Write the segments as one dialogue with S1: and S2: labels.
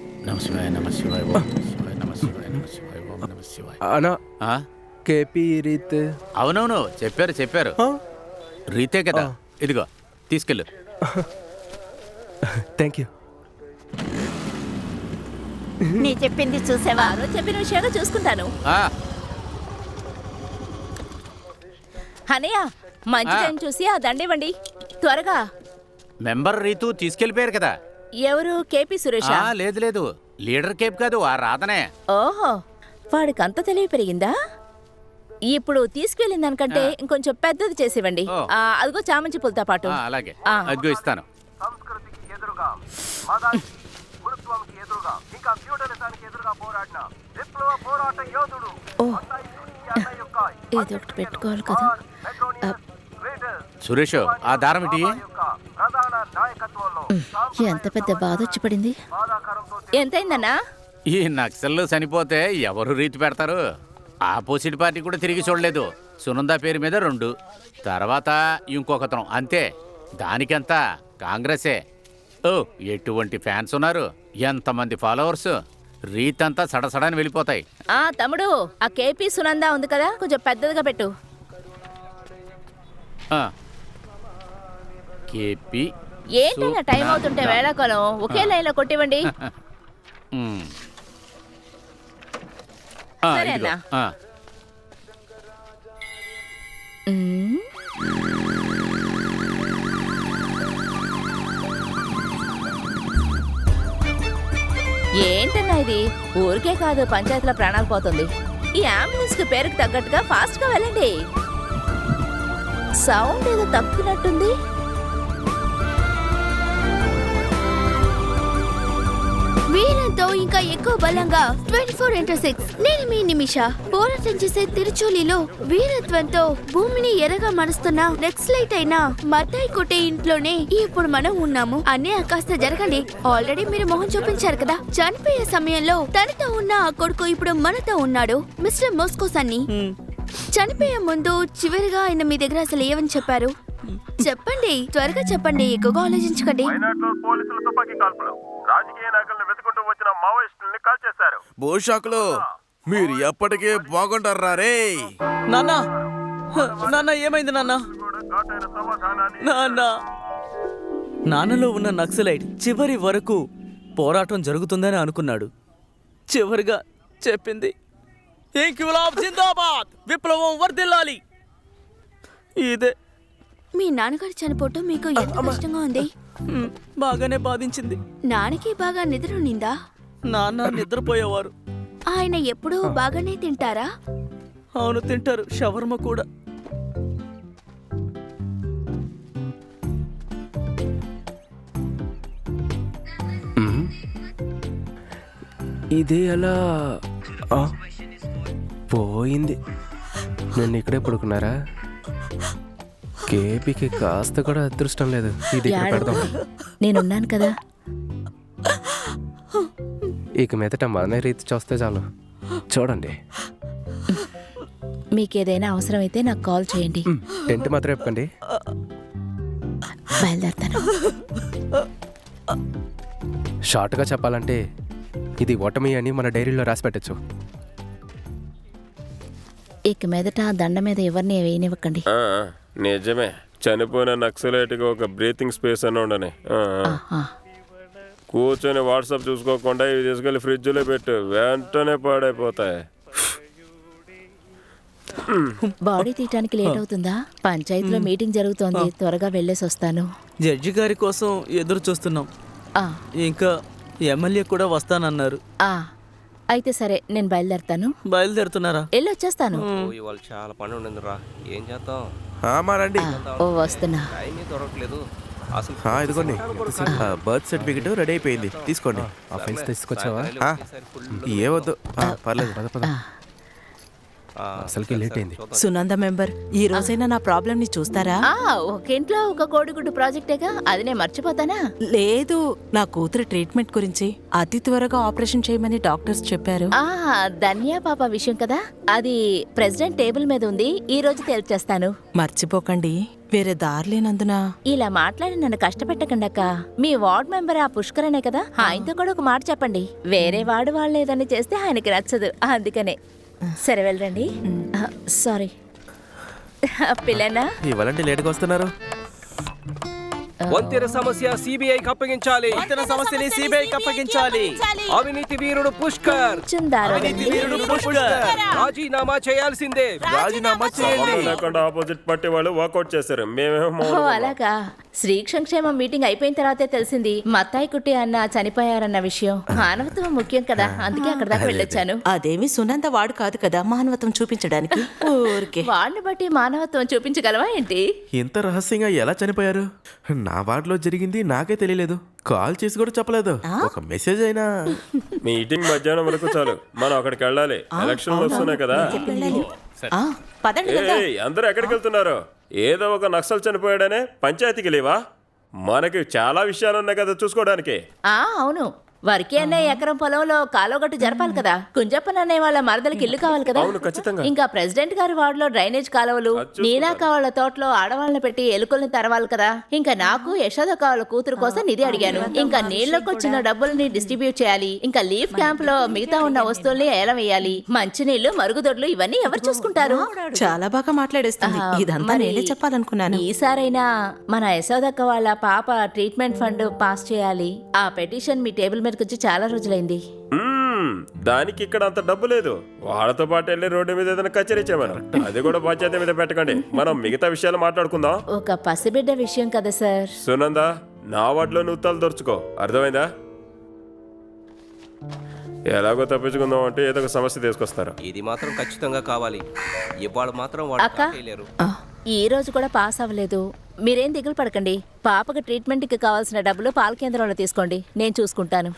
S1: నమశివాయ నమశివాయ ఓం నమశివాయ నమశివాయ నమశివాయ ఓం నమశివాయ.
S2: అనా
S1: ఆ?
S2: కేపీ రీత్.
S1: అవునవును చెప్పారు రీతే కదా. ఇదిగో తీసుకెళ్ళు.
S2: Thank you.
S3: నీ చెప్పింది చూసావా? చెప్పిన విషయాలు చూసుకుంటాను.
S1: ఆ,
S3: అనయ్య మంచి టైం చూసి ఆ దండివ్వండి త్వరగా.
S1: మెంబర్ రీతు తీసుకెళ్ళిపోయారు కదా.
S3: ఎవరు? కేపీ సురేష్?
S1: లేదు లీడర్ కేప్ కాదు, ఆ రాధనే.
S3: ఓహో, వాడికి అంత తెలివి పెరిగిందా? ఇప్పుడు తీసుకెళ్ళిన దానికంటే ఇంకొంచెం పెద్దది చేసివ్వండి.
S1: ఓ.
S3: అదిగో చామంతి పూలతో పాటు.
S1: అలాగే
S3: ఆ.
S1: అదిగో ఇస్తాను.
S4: సంస్కృతికి ఎదురుగా మతానికి గురుత్వంకి ఎదురుగా ఇంకా ఫ్యూడలిజానికి ఎదురుగా పోరాడిన విప్లవ పోరాట యోధుడు
S3: ఏదో ఒకటి పెట్టుకోవాలి కదా.
S1: సురేష్, ఆ దారం ఇటీ.
S4: ప్రధాన నాయకత్వంలో
S3: ఎంత పెద్ద బాధ వచ్చి పడింది.
S4: బాధాకరంతో
S3: ఎంతైందన్నా?
S1: ఈ నక్సల్లు చనిపోతే ఎవరు రీతి పెడతారు? ఆపోజిట్ పార్టీ కూడా తిరిగి చూడలేదు. సునంద పేరు మీద 2, తర్వాత ఇంకొకతనం, అంతే. దానికెంత? కాంగ్రెసే. ఓ, ఎటువంటి ఫ్యాన్స్ ఉన్నారు, ఎంతమంది ఫాలోవర్స్. రీత్ అంతా సడసడని వెళ్ళిపోతాయి.
S3: తమ్ముడు, ఆ కేపీ సునంద ఉంది కదా, కొంచెం పెద్దదిగా పెట్టు.
S1: కేపీ
S3: ఏంటన్నా టైం అవుతుంటే వేళాకాలం ఒకే లైన్లో కొట్టివ్వండి. సరే
S1: ఇదిగో.
S3: అన్నా. ఏంటన్నా ఇది? ఊరికే కాదు, పంచాయతీలో ప్రాణాలు పోతుంది. ఈ అంబులెన్స్ కి పేరుకు తగ్గట్టుగా ఫాస్ట్ గా వెళ్ళండి. సౌండ్ ఏదో తప్పుతున్నట్టుంది.
S5: వీరంతో ఇంకా ఎక్కువ బలంగా 24x6 నేను మీ నిమిష. పోరాటం చేసే తిరుచూలిలో వీరత్వంతో భూమిని ఎర్రగా మరుస్తున్న నెక్స్లైట్ అయిన మతాయి కొట్టే ఇంట్లోనే ఇప్పుడు మనం ఉన్నాము. అన్నీ కాస్త జరగండి. ఆల్రెడీ మీరు మొహం చూపించారు కదా. చనిపోయే సమయంలో తనతో ఉన్న ఆ కొడుకు ఇప్పుడు మనతో ఉన్నాడు, మిస్టర్ మోస్కోస్ అన్ని. చనిపోయే ముందు చివరిగా ఆయన మీ దగ్గర అసలు ఏమని చెప్పారు? చెప్పండి, త్వరగా చెప్పండి, ఎక్కువగా ఆలోచించకండి.
S4: వైనాడులో పోలీసుల తుపాకీ కాల్పులు రాజకీయ నాయకులను వెతుకుంటూ వచ్చిన మావోయిస్టుల్ని కాల్ చేశారు.
S6: భూషాకులు మీరు ఎప్పటికే బాగుంటారా రే?
S7: నాన్న ఏమైంది నాన్న?
S4: ఘాటైన సమాధానాన్ని
S7: నాన్నలో ఉన్న నక్సలైట్ చివరి వరకు పోరాటం జరుగుతుందని అనుకున్నాడు. చివరిగా చెప్పింది ఇంక్విలాబ్ జిందాబాద్, విప్లవం వర్ధిల్లాలి. ఇదే.
S5: మీ నాన్నగారు చనిపోవటం మీకు ఎంత కష్టంగా ఉంది?
S7: బాగానే బాధించింది.
S5: నాన్నకి బాగా నిద్ర ఉన్నిందా?
S7: నాన్న నిద్రపోయేవారు.
S5: ఆయన ఎప్పుడూ బాగానే తింటారా?
S7: అవును, తింటారు. షవర్మ కూడా.
S2: ఇది ఎలా పోయింది? నేను ఇక్కడే పడుకున్నారా? కేపీకి కాస్త కూడా అదృష్టం లేదు. ఇది ఇక్కడ పెడదాం.
S3: నేనున్నాను కదా.
S2: ఇక మీదట మన రీతి చూస్తే చాలు. చూడండి,
S3: మీకేదైనా అవసరమైతే నాకు కాల్ చేయండి.
S2: టెంట్ మాత్రం చెప్పండి.
S3: బయలుదేరతాను.
S2: షార్ట్గా చెప్పాలంటే ఇది ఓటమి అని మన డైరీలో రాసి పెట్టచ్చు.
S3: ఇక మీదట దండ మీద ఎవరిని వేయనివ్వకండి.
S8: నిజమే, చనిపోయిన నక్సలైట్గా ఒక బ్రీతింగ్ స్పేస్ అని ఉండని. కూర్చొని వాట్సాప్ చూసుకోకుండా ఇవి తీసుకెళ్ళి ఫ్రిడ్జ్లో పెట్టు, వెంటనే పాడైపోతాయి.
S3: బాడీ తీయటానికి లేట్ అవుతుందా? పంచాయతీలో మీటింగ్ జరుగుతోంది, త్వరగా వెళ్ళేసి వస్తాను.
S7: జడ్జి గారి కోసం ఎదురు చూస్తున్నాం. ఇంకా ఎమ్మెల్యే కూడా వస్తానన్నారు.
S3: అయితే సరే, నేను బయలుదేరతాను.
S7: బయలుదేరుతున్నారా?
S3: వెళ్ళి వచ్చేస్తాను.
S9: ఇవాళ చాలా పని ఉండింది రా, ఏం చేద్దాం?
S6: రండి.
S3: వస్తున్నా.
S9: టైమే దొరకలేదు అసలు.
S6: ఇదిగోండి, బర్త్ సర్టిఫికెట్ రెడీ అయిపోయింది, తీసుకోండి.
S2: ఆ ఫైల్స్ తీసుకొచ్చావా?
S6: ఏవద్దు, పర్లేదు.
S2: పద పద. అసలుకి లేట్ అయింది.
S10: సునంద మెంబర్, ఈ రోజైనా నా ప్రాబ్లం ని చూస్తారా?
S3: ఒక ఇంట్లో ఒక కోడిగుడ్డు ప్రాజెక్టేగా, అది నేను మర్చిపోతానా?
S10: లేదు, నా కూతురు ట్రీట్మెంట్ గురించి అతి త్వరగా ఆపరేషన్ చేయమని డాక్టర్స్ చెప్పారు.
S3: ధన్యా పాప విషయం కదా, అది ప్రెసిడెంట్ టేబుల్ మీద ఉంది, ఈ రోజు తేల్చేస్తాను.
S10: మర్చిపోకండి. వేరే దారి లేనందున
S3: ఇలా మాట్లాడి నన్ను కష్టపెట్టకండక్క. మీ వార్డ్ మెంబర్ ఆ పుష్కరనే కదా, ఆయనతో కూడా ఒక మాట చెప్పండి. వేరే వాడు వాళ్ళు ఏదని చేస్తే ఆయనకి నచ్చదు, అందుకనే. సరే వెళ్ళండి. సారీ పిల్లనా.
S6: ఇవాళంటే లేట్గా వస్తున్నారు.
S9: వంతెన సమస్య సిబిఐకి అప్పగించాలి.
S7: వంతెన సమస్యని సిబిఐకి అప్పగించాలి.
S9: అవినీతి వీరుడు పుష్కర్ రాజీనామా చేయాల్సిందే.
S6: రాజీనామా చేయండి.
S8: లేకుండా ఆపోజిట్ పార్టీ వాళ్ళు వాకౌట్ చేశారు. మేమేమో
S3: ఓ అలాగా. శ్రీ సంక్షేమం మీటింగ్ అయిపోయిన తర్వాతే తెలిసింది మత్తాయి కుట్టి అన్న చనిపోయారన్న విషయం. మానవత్వం ముఖ్యం కదా, అందుకే అక్కడ దాకా వెళ్ళొచ్చాను.
S10: అదేమి సునంద వాడు కాదు కదా మానవత్వం చూపించడానికి. ఊరికే
S3: వాళ్ళని బట్టి మానవత్వం చూపించగలవా ఏంటి?
S6: ఇంత రహస్యంగా ఎలా చనిపోయారు? నా వార్డులో జరిగింది నాకే తెలియలేదు. కాల్ చేసి కూడా చెప్పలేదు. ఒక మెసేజ్ అయినా.
S8: మీటింగ్ మధ్యాహ్నం వరకు చాలు, మనం అక్కడికి వెళ్ళాలి. ఎలక్షన్లు వస్తున్నాయి కదా.
S10: పదండి వెళ్దాం.
S8: ఏయ్, అందరూ ఎక్కడికి వెళ్తున్నారు? ఏదో ఒక నక్సల్ చనిపోయాడనే పంచాయతీకి లేవా? మనకి చాలా విషయాలు ఉన్నాయి కదా చూసుకోవడానికి.
S3: అవును, వరకే అన్నయ్య ఎకరం పొలంలో కాలువగట్టు జరపాలి కదా. కుంజప్పన్ అనే వాళ్ళ మరదలకి ఇల్లు కావాలి కదా.
S8: అవును, ఖచ్చితంగా.
S3: ఇంకా ప్రెసిడెంట్ గారి వార్డులో డ్రైనేజ్ కాలువలు, నీనాక వాళ్ళ తోటలో ఆడవాళ్ళని పెట్టి ఎలుకల్ని తరవాలి కదా. ఇంకా నాకు యశోదక్క వాళ్ళ కూతురు కోసం నిధి అడిగాను. ఇంకా నీళ్లకు వచ్చిన డబ్బుల్ని డిస్ట్రిబ్యూట్ చేయాలి. ఇంకా లీఫ్ క్యాంప్ లో మిగతా ఉన్న వస్తువుల్ని ఏలం వేయాలి. మంచినీళ్లు, మరుగుదొడ్లు ఇవన్నీ ఎవరు చూసుకుంటారు?
S10: చాలా బాగా మాట్లాడేస్తుంది. ఇదంతా
S3: మరి
S10: నేనే చెప్పాలనుకున్నాను.
S3: ఈసారైనా మన యశోదక్క వాళ్ళ పాప ట్రీట్మెంట్ ఫండ్ పాస్ చేయాలి. ఆ పెటిషన్ మీ టేబుల్ మీదకి వచ్చి చాలా రోజులైంది.
S8: దానికి ఇక్కడ అంత డబ్బు లేదు. వాళ్ళతో పాటు వెళ్ళి రోడ్డు మీద ఏదైనా కచేరీ చేయమను. అది కూడా పంచాయతీ మీద పెట్టకండి. మనం మిగతా విషయాలు మాట్లాడుకుందాం.
S3: ఒక పసిబిడ్డ విషయం కదా సార్.
S8: సునందా, నా వాటిలో నువ్వు తల దొరుచుకో, అర్థమైందా? ఎలాగో తప్పించుకుందాం అంటే ఏదో ఒక సమస్య తీసుకొస్తారు.
S9: ఇది మాత్రం ఖచ్చితంగా కావాలి. ఇవాళ మాత్రం వాళ్ళు
S3: అక్క.
S9: చేయలేరు.
S3: ఈ రోజు కూడా పాస్ అవ్వలేదు. మీరేం దిగులు పడకండి. పాపకు ట్రీట్మెంట్ కి కావాల్సిన డబ్బులు పాల కేంద్రంలో తీసుకోండి, నేను చూసుకుంటాను.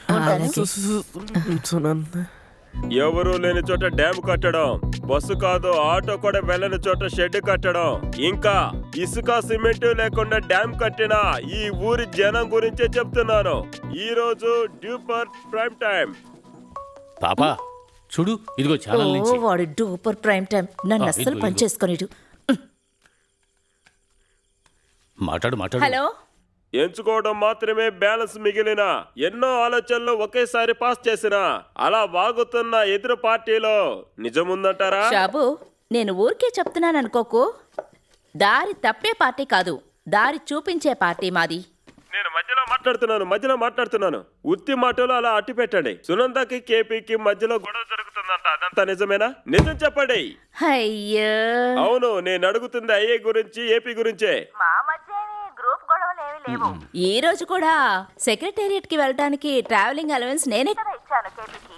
S8: ఎవరు లేని చోట డ్యామ్ కట్టడం, బస్సు కాదు ఆటో కూడా వెళ్ళని చోట షెడ్ కట్టడం, ఇంకా ఇసుక సిమెంట్ లేకుండా డ్యామ్ కట్టిన ఈ ఊరి జనం గురించే చెప్తున్నాను. ఈ రోజు డ్యూపర్ ప్రైమ్ టైం.
S1: పాపా చూడు, ఇదిగో ఛానల్ నుంచి.
S3: వాడు డూపర్ ప్రైమ్ టైం. నన్ను అస్సలు
S1: ఇదిగో,
S3: పనిచేసుకొనిడు.
S1: మాట్లాడు.
S3: హలో.
S8: ఎంచుకోవడం మాత్రమే బ్యాలెన్స్ మిగిలిన ఎన్నో ఆలోచనలు ఒకేసారి పాస్ చేసిన అలా వాగుతున్న ఎదురు పార్టీలో నిజముందంటారా?
S3: షాబు, నేను ఊరికే చెప్తున్నాను అనుకోకు. దారి తప్పే పార్టీ కాదు, దారి చూపించే పార్టీ మాది.
S8: నేను మధ్యలో మాట్లాడుతున్నాను. ఉత్తి మాటలు అలా అట్టి పెట్టండి. సునందకి కేపీకి మధ్యలో గొడవ జరుగుతుందంట, అదంతా నిజమేనా? నిజం చెప్పండి.
S3: అయ్యో,
S8: అవును, నేను అడుగుతుంది ఐఏ గురించి, ఏపీ గురించే.
S3: ఈ రోజు కూడా సెక్రటేరియట్ కి వెళ్ళడానికి ట్రావెలింగ్ అలవెన్స్ నేనే కదా ఇచ్చాను కేపీకి.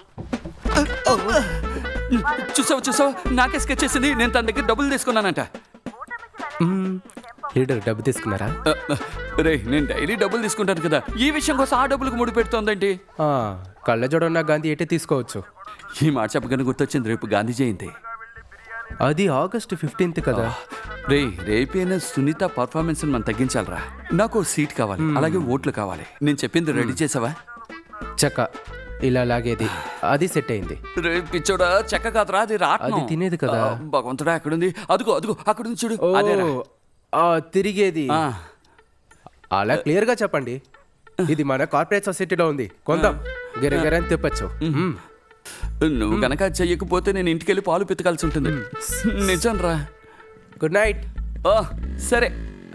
S11: చూసావు నాకే స్కెచ్ చేసింది. నేను తన దగ్గర డబ్బులు తీసుకున్నానంట.
S2: లీడర్ డబ్బు తీసుకున్నారా?
S11: రే, నేను డైలీ డబ్బులు తీసుకుంటాను కదా, ఈ విషయం కోసం ఆ డబ్బులకు ముడి పెడుతోందేంటి?
S2: కళ్ళజోడు ఉన్న గాంధీ ఎటే తీసుకోవచ్చు.
S11: ఈ మాట చెప్పగానే గుర్తొచ్చింది, రేపు గాంధీ జయంతి.
S2: అది August 15th కదా.
S11: రేపైనా సునీత పర్ఫార్మెన్స్ మనం తగ్గించాలరా. నాకు సీట్ కావాలి, అలాగే ఓట్లు కావాలి. నేను చెప్పింది రెడీ చేసావా?
S2: చక్క ఇలా లాగేది, అది సెట్ అయింది.
S11: రే పిచ్చోడా, చెక్క కాదురా, అది రాట్నం.
S2: అది తినేది కదా.
S11: భగవంతుడా, ఎక్కడుంది? అదిగో అక్కడుంది చూడు.
S2: తిరిగేది. అలా క్లియర్ గా చెప్పండి. ఇది మన కార్పొరేట్ సొసైటీలో ఉంది, కొందాం, గిరగిరని తిప్పచ్చు.
S11: నువ్వు గనక చెయ్యకపోతే నేను ఇంటికి వెళ్ళి పాలు పితకాల్సి ఉంటుంది. నిజం రా.
S2: Good night.
S11: సరే.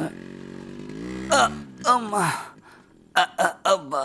S11: అమ్మా, అబ్బా,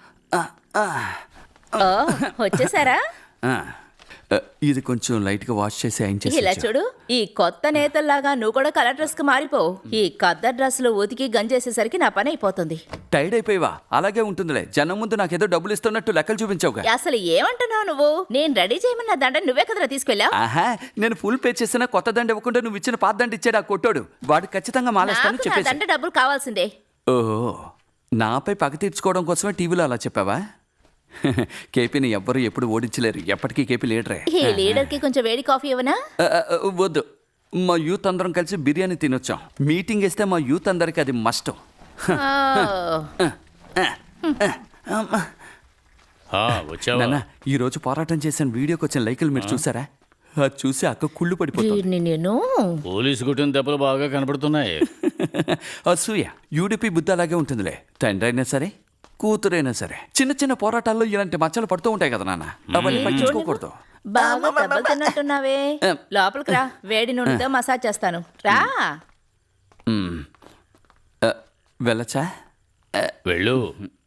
S3: వచ్చేసారా?
S11: ఇది కొంచెం లైట్ గా వాష్ చేసి
S3: ఇలా చూడు, ఈ కొత్త నేతల్లాగా నువ్వు కూడా కలర్ డ్రెస్ కి మారిపో. ఈ కొత్త డ్రెస్సులు ఉతికి గంజేసేసరికి నా పని అయిపోతుంది.
S11: టైర్డ్ అయిపోయావా? అలాగే ఉంటుందిలే. జనం ముందు నాకేదో డబ్బులు ఇస్తున్నట్టు లెక్కలు చూపించావుగా.
S3: అసలు ఏమంటున్నావు నువ్వు? నేను రెడీ చేయమన్న దండ నువ్వే కదరా తీసుకెళ్ళావు.
S11: ఆహా, నేను ఫుల్ పే చేసిన కొత్త దండ ఇవ్వకుండా నువ్వు ఇచ్చిన పాత దండ ఇచ్చాడు ఆ కొట్టాడు. వాడు ఖచ్చితంగా మాలేస్తాను చెప్పేసి.
S3: దండ డబ్బులు కావాల్సిందే.
S11: ఓహో, నాపై పగ తీర్చుకోవడం కోసమే టీవీలో అలా చెప్పావా? కేపీని ఎవ్వరు ఎప్పుడు ఓడించలేరు. ఎప్పటికీ కేపీ లీడరే.
S3: ఈ లీడర్ కి కొంచెం వేడి కాఫీ ఇవ్వనా?
S11: వద్దు, మా యూత్ అందరం కలిసి బిర్యానీ తినొచ్చాం. మీటింగ్ వేస్తే మా యూత్ అందరికి అది మస్ట్.
S1: వచ్చావా?
S11: నాన్న, ఈ రోజు పోరాటం చేసిన వీడియోకి వచ్చిన లైకులు మీరు చూసారా? అది చూసి అక్క కుళ్ళు పడిపోతుంది.
S3: వీడిని నేను
S1: పోలీసు కుట్టిన దెబ్బలు బాగా కనబడుతున్నాయి.
S11: అసూయ యూడిపి బుద్ధి అలాగే ఉంటుందిలే. తండ్రి అయినా సరే కూతురైనా సరే చిన్న చిన్న పోరాటాల్లో ఇలాంటి మచ్చలు పడుతూ ఉంటాయి కదా నాన్న. అవన్నీ పట్టించుకోకూడదు.
S3: బాగా దెబ్బలు తిన్నట్టున్నావే. లోపలికి రా, వేడి నూనెతో మసాజ్ చేస్తాను. రా.
S11: వెళ్ళచ్చా?
S1: వెళ్ళు.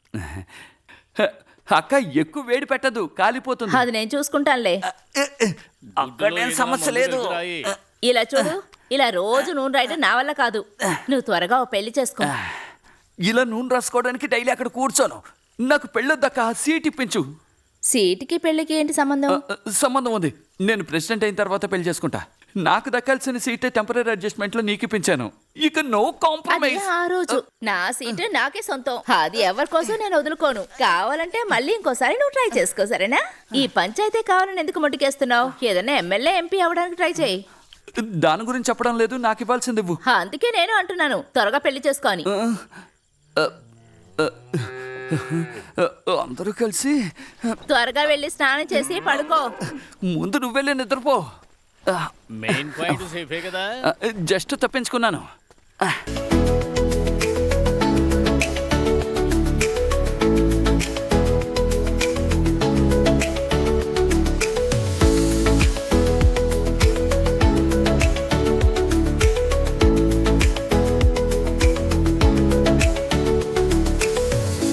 S11: అక్క ఎక్కువ వేడి పెట్టదు, కాలిపోతుంది.
S3: అది నేను చూసుకుంటానులే.
S11: అక్కడేం సమస్య లేదు.
S3: ఇలా చూడు, ఇలా రోజు నూనె రాయడం నా వల్ల కాదు. నువ్వు త్వరగా ఓ పెళ్లి చేసుకో.
S11: ఇలా నూనె రాసుకోవడానికి డైలీ అక్కడ కూర్చోను. నాకు పెళ్ళొద్దక్క, సీట్ ఇప్పించు.
S3: సీటుకి పెళ్లికి ఏంటి సంబంధం?
S11: సంబంధం ఉంది. నేను ప్రెసిడెంట్ అయిన తర్వాత పెళ్లి చేసుకుంటా. నాకు దక్కాల్సిన సీటే టెంపరీ అడ్జస్ట్మెంట్ లో నీకు ఇప్పించాను. ఇక నో
S3: అది
S11: కాంప్రమైజ్.
S3: ఆ రోజు నా సీటు నాకే సొంతం. అది ఎవరి కోసం నేను వదులుకోను. కావాలంటే మళ్ళీ ఇంకోసారి నువ్వు ట్రై చేసుకో, సరేనా? ఈ పంచాయతీ కావాలని ఎందుకు మొట్టికేస్తున్నావు? ఏదైనా ఎమ్మెల్యే ఎంపీ అవ్వడానికి ట్రై చేయి.
S11: దాని గురించి చెప్పడం లేదు, నాకు ఇవ్వాల్సింది ఇవ్వు.
S3: అందుకే నేను అంటున్నాను, త్వరగా పెళ్లి చేసుకో అని.
S11: అందరూ కలిసి
S3: త్వరగా వెళ్ళి స్నానం చేసి పడుకో.
S11: ముందు నువ్వెళ్ళి నిద్రపో.
S1: మెయిన్ పాయింట్ సేఫే కదా.
S11: జస్ట్ తప్పించుకున్నాను.